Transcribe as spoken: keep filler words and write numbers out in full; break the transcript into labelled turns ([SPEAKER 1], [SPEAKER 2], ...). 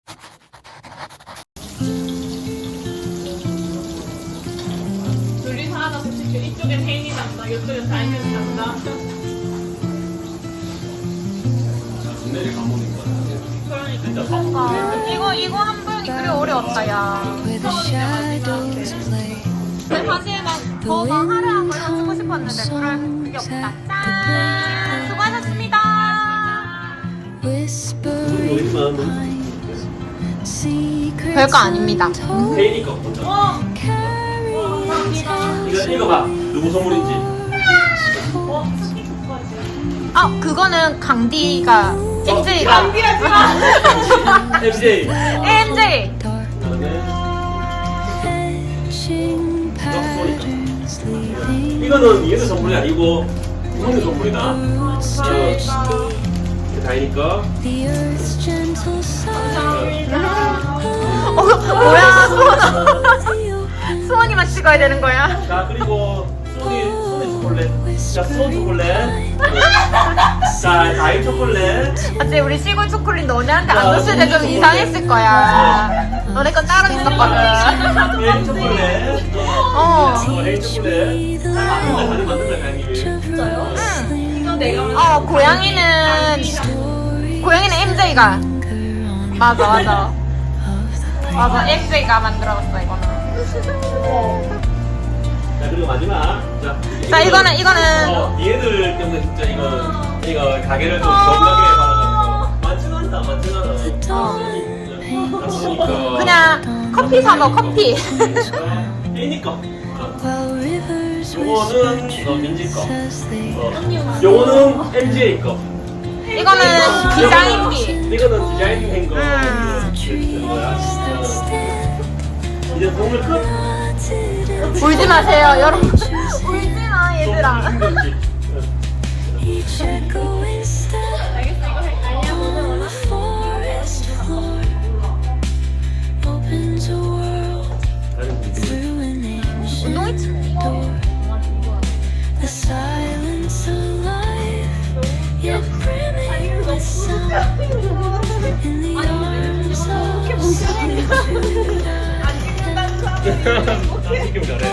[SPEAKER 1] 둘이서 하나 솔직히 이쪽엔 혜인이 난다 이쪽엔 다인이 난다.
[SPEAKER 2] 내일 감옥인 거야.
[SPEAKER 1] 그러니까
[SPEAKER 3] 아, 이거 이거 한 번이 그리 어려웠다 야. 근데 사실 막더막 화려한 걸 해주고 싶었는데 그럴 그게 없다. 짠 수고하셨습니다. 별거 아닙니다.
[SPEAKER 2] 혜인이 거 보자.
[SPEAKER 1] 어!
[SPEAKER 2] 이거 읽어봐. 누구 선물인지.
[SPEAKER 1] 어? 스티커까지.
[SPEAKER 3] 아 그거는 강디가 엠제이가
[SPEAKER 1] 강디하지 마!
[SPEAKER 2] 엠제이.
[SPEAKER 3] 엠제이.
[SPEAKER 2] 이거는 얘네 선물이 아니고 부모님 선물이다.
[SPEAKER 1] 감사합니다.
[SPEAKER 2] 다이니 거.
[SPEAKER 3] 어 뭐야 수원아. 수원이만 찍어야 되는 거야?
[SPEAKER 2] 자 그리고 수원이 수원이 초콜릿. 자 수원 초콜릿. 자 다이 초콜릿.
[SPEAKER 3] 어째 우리 시골 초콜릿 너네한테 안 줬을 때 좀 이상했을 거야. 너네 건 따로 있었거든.
[SPEAKER 2] 혜인 초콜릿.
[SPEAKER 3] 어.
[SPEAKER 2] 혜인 초콜릿. 다들 만든다 다행히.
[SPEAKER 1] 진짜요? 이거 내가
[SPEAKER 3] 어 고양이는 고양이는 엠제이가 맞아 맞아 맞아 엠제이가 만들어봤어 이거는.
[SPEAKER 2] 자 그리고 마지막. 자,
[SPEAKER 3] 자 이거는 이거는
[SPEAKER 2] 어, 얘들 때문에 진짜 이거 이거 가게를 좀 건강하게 받아가지고 많지는 않다 많지는 않아.
[SPEAKER 3] 어. 그냥 커피 사 먹어 커피.
[SPEAKER 2] 혜인이 거. 요거는 어, 민지 거. 어, 요거는 엠제이 거.
[SPEAKER 3] 이거는 디자인비.
[SPEAKER 2] 이거는 디자인된 거.
[SPEAKER 3] 음.
[SPEAKER 2] 이제 선물 끝.
[SPEAKER 3] 울지 마세요 여러분. 울지 마 얘들아.
[SPEAKER 2] 힘들지.
[SPEAKER 1] 알겠어 이거 할까요? 오늘 원하
[SPEAKER 3] 운동했지 뭐.
[SPEAKER 4] The silence alive, yet brimming with sound. In the arms of
[SPEAKER 2] 아, 지금 잘해.